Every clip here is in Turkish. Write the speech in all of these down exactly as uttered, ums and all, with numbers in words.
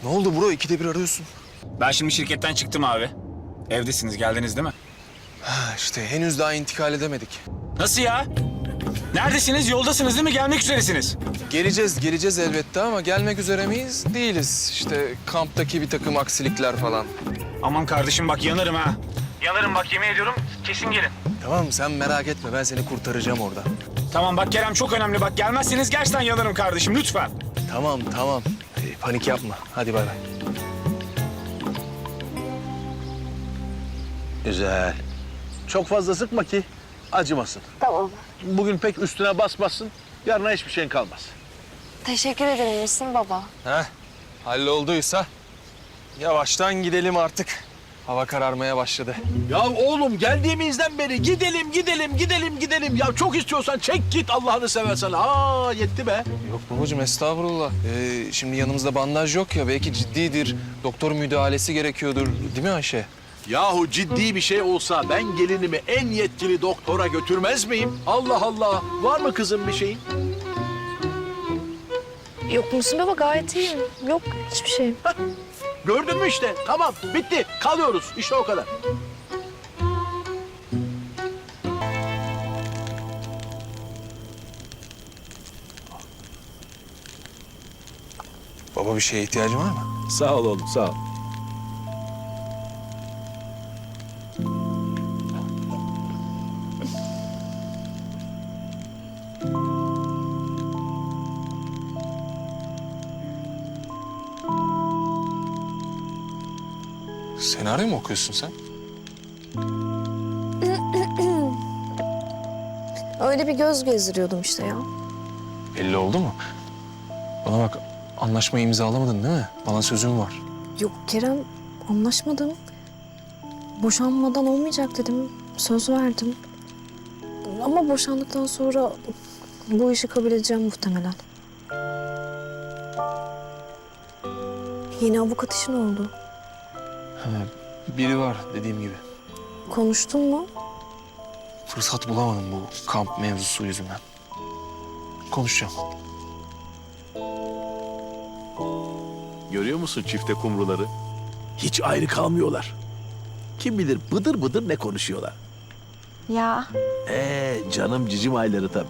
Ne oldu bro? İkide bir arıyorsun. Ben şimdi şirketten çıktım abi. Evdesiniz, geldiniz değil mi? Ha işte henüz daha intikal edemedik. Nasıl ya? Neredesiniz? Yoldasınız değil mi? Gelmek üzeresiniz. Geleceğiz, geleceğiz elbette ama gelmek üzere miyiz? Değiliz. İşte kamptaki bir takım aksilikler falan. Aman kardeşim bak yanarım ha. Yanarım bak, yemin ediyorum. Kesin gelin. Tamam sen merak etme, ben seni kurtaracağım orada. Tamam bak Kerem, çok önemli bak. Gelmezseniz gerçekten yanarım kardeşim, lütfen. Tamam tamam. Ee, panik yapma. Hadi bay bay. Güzel. Çok fazla sıkma ki acımasın. Tamam. Bugün pek üstüne basmasın, yarına hiçbir şeyin kalmaz. Teşekkür ederim Müslüm baba. Heh, hallolduysa yavaştan gidelim artık. Hava kararmaya başladı. Ya oğlum geldiğimizden beri gidelim, gidelim, gidelim, gidelim. Ya çok istiyorsan çek git Allah'ını seversen. Aa yetti be. Yok babacığım estağfurullah. Ee, şimdi yanımızda bandaj yok ya, belki ciddidir. Doktor müdahalesi gerekiyordur. Değil mi Ayşe? Yahu ciddi bir şey olsa ben gelinimi en yetkili doktora götürmez miyim? Allah Allah. Var mı kızım bir şeyin? Yok Müslüm baba, gayet iyiyim. Yok hiçbir şey. Gördün mü işte? Tamam bitti. Kalıyoruz. İşte o kadar. Baba bir şeye ihtiyacın var mı? Sağ ol oğlum sağ ol. Senaryo mu okuyorsun sen? Öyle bir göz gezdiriyordum işte ya. Belli oldu mu? Bana bak, anlaşmayı imzalamadın değil mi? Bana sözün var. Yok Kerem, anlaşmadım. Boşanmadan olmayacak dedim. Söz verdim. Ama boşandıktan sonra bu işi kabul edeceğim muhtemelen. Yeni avukat işin oldu. Ha, biri var dediğim gibi. Konuştun mu? Fırsat bulamadım bu kamp mevzusu yüzünden. Konuşacağım. Görüyor musun çifte kumruları? Hiç ayrı kalmıyorlar. Kim bilir bıdır bıdır ne konuşuyorlar. Ya. Ee canım cicim ayları tabii.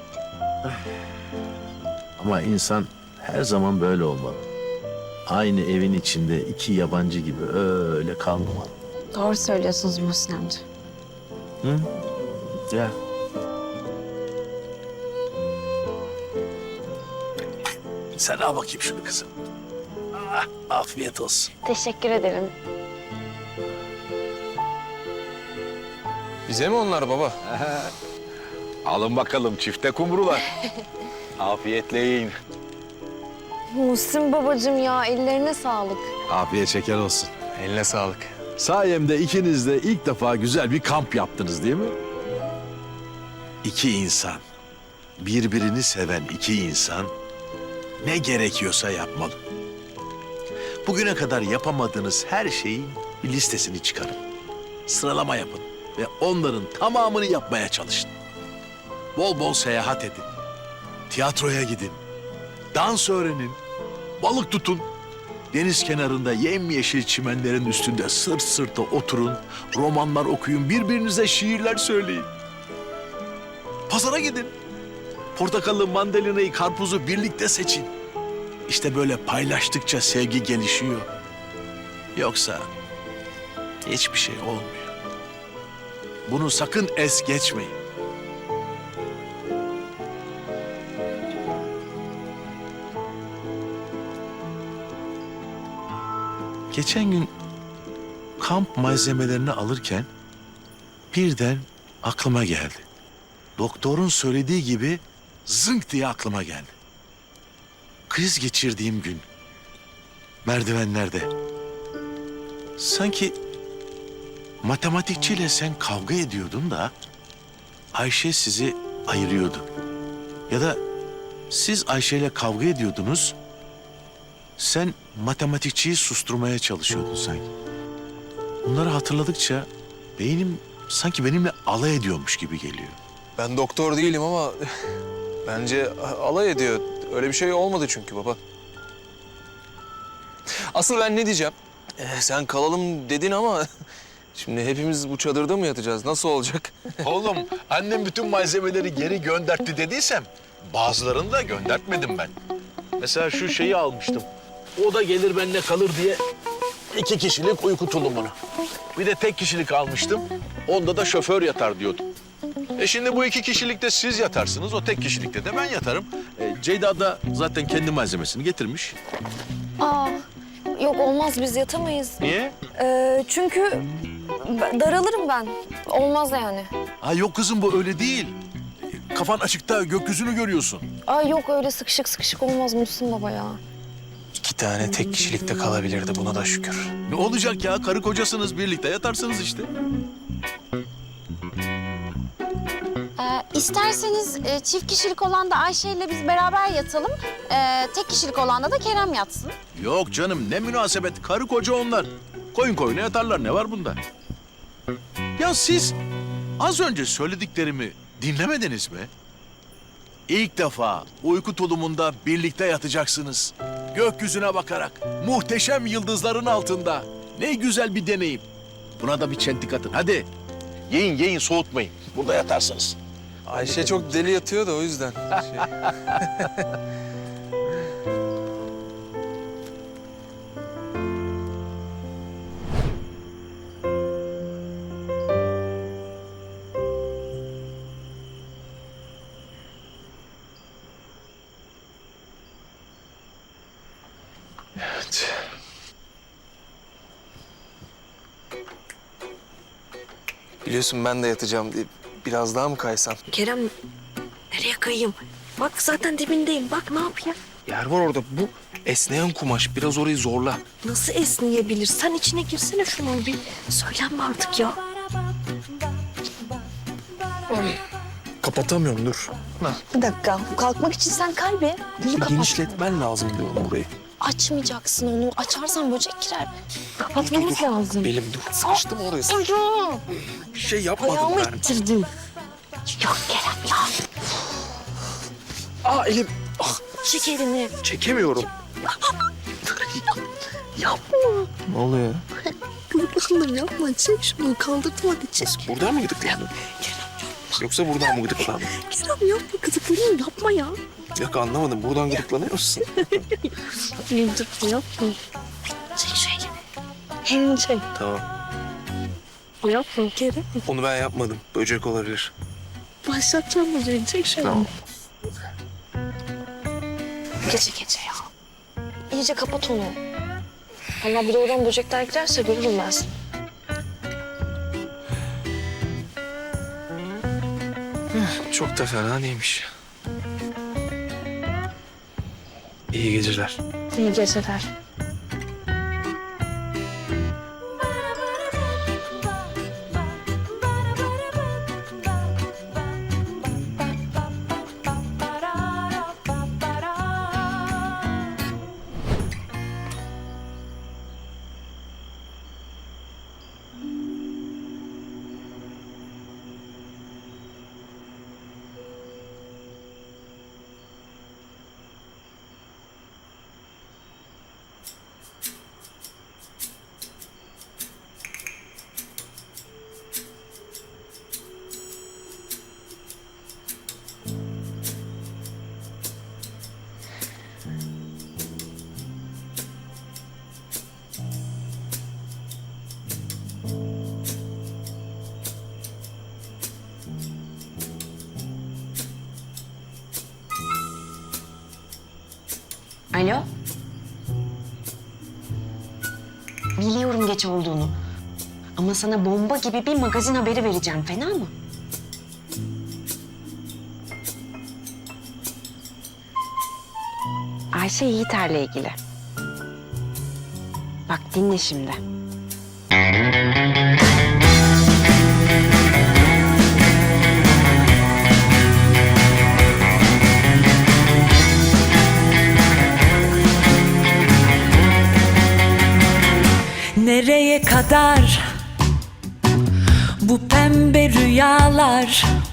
Ama insan her zaman böyle olmalı. Aynı evin içinde iki yabancı gibi öyle kalmamalı. Doğru söylüyorsunuz Muhsin amca. Hı? Ya. Sen al bakayım şunu kızım. Ah, afiyet olsun. Teşekkür ederim. Bize mi onlar baba? Alın bakalım çifte kumrular. Afiyetle yiyin. Muhsin babacığım ya, ellerine sağlık. Afiyet şeker olsun. Eline sağlık. Sayemde ikiniz de ilk defa güzel bir kamp yaptınız değil mi? İki insan, birbirini seven iki insan ne gerekiyorsa yapmalı. Bugüne kadar yapamadığınız her şeyin bir listesini çıkarın. Sıralama yapın ve onların tamamını yapmaya çalışın. Bol bol seyahat edin, tiyatroya gidin, dans öğrenin, balık tutun. Deniz kenarında yemyeşil çimenlerin üstünde sırt sırta oturun, romanlar okuyun, birbirinize şiirler söyleyin. Pazara gidin. Portakalı, mandalinayı, karpuzu birlikte seçin. İşte böyle paylaştıkça sevgi gelişiyor. Yoksa hiçbir şey olmuyor. Bunu sakın es geçmeyin. Geçen gün kamp malzemelerini alırken birden aklıma geldi. Doktorun söylediği gibi zınk diye aklıma geldi. Kriz geçirdiğim gün merdivenlerde sanki matematikçiyle sen kavga ediyordun da Ayşe sizi ayırıyordu. Ya da siz Ayşe'yle kavga ediyordunuz. Sen matematikçiyi susturmaya çalışıyordun sanki. Bunları hatırladıkça beynim sanki benimle alay ediyormuş gibi geliyor. Ben doktor değilim ama bence alay ediyor. Öyle bir şey olmadı çünkü baba. Asıl ben ne diyeceğim? Ee, sen kalalım dedin ama şimdi hepimiz bu çadırda mı yatacağız? Nasıl olacak? Oğlum annem bütün malzemeleri geri göndertti dediysem bazılarını da göndertmedim ben. Mesela şu şeyi almıştım. O da gelir benimle kalır diye iki kişilik uyku tulumunu. Bir de tek kişilik almıştım. Onda da şoför yatar diyordum. E şimdi bu iki kişilikte siz yatarsınız, o tek kişilikte de ben yatarım. E, Ceyda da zaten kendi malzemesini getirmiş. Aa, yok olmaz biz yatamayız. Niye? Ee, çünkü b- daralırım ben. Olmaz yani. Ha yok kızım bu öyle değil. E, Kafan açıkta gökyüzünü görüyorsun. Aa, yok öyle sıkışık sıkışık olmaz Muhsin baba ya. İki tane tek kişilikte kalabilirdi, buna da şükür. Ne olacak ya? Karı kocasınız, birlikte yatarsınız işte. Ee, isterseniz e, çift kişilik olan da Ayşe ile biz beraber yatalım. Ee, tek kişilik olanda da Kerem yatsın. Yok canım ne münasebet. Karı koca onlar. Koyun koyuna yatarlar. Ne var bunda? Ya siz az önce söylediklerimi dinlemediniz mi? İlk defa uyku tulumunda birlikte yatacaksınız. Gökyüzüne bakarak, muhteşem yıldızların altında. Ne güzel bir deneyim. Buna da bir çentik atın. Hadi. Yiyin yiyin soğutmayın. Burada yatarsınız. Ayşe çok deli yatıyor da o yüzden. Şey... Evet. Biliyorsun ben de yatacağım diye biraz daha mı kaysam? Kerem, nereye kayayım? Bak zaten dibindeyim. Bak ne yapayım? Yer var orada. Bu esneyen kumaş. Biraz orayı zorla. Nasıl esneyebilir? Sen içine girsene şunun bir. Söylenme artık ya. Kapatamıyorum, dur. Bir dakika. Kalkmak için sen kay be. Bunu kapat. Genişletmen lazım diyorum burayı. Açmayacaksın onu. Açarsan böcek girer. Kapatmamız lazım. Belim dur. Sıkıştım oraya. Ayağım. Bir şey yapmadım Ayağımı ben. ittirdim. Yok Kerem ya. Aa elim. Ah, Çek elini. çekemiyorum. Yapma. Ne oluyor? Kızım yapma. Çek şunu. Kaldırtma hadi çek. Buradan mı gıdıklandın? Yoksa buradan mı gıdıklandın? Kerem yapma. Kızım yapma ya. Yok anlamadım. Buradan gıdıklanıyor musun? Elim dur yapma. Çek şu elini. Elini çek. Tamam. Yapma Kerem. Onu ben yapmadım. Böcek olabilir. Başlatacağım böceği. Çek şu elini. Tamam. Gece gece ya. İyice kapat onu. Ama bir de oradan böcekler girerse görürüm ben seni. Çok da fena değilmiş. İyi geceler. İyi geceler. Alo? Biliyorum geç olduğunu. Ama sana bomba gibi bir magazin haberi vereceğim. Fena mı? Ayşe Yiğiter'le ilgili. Bak dinle şimdi. Nereye kadar bu pembe rüyalar?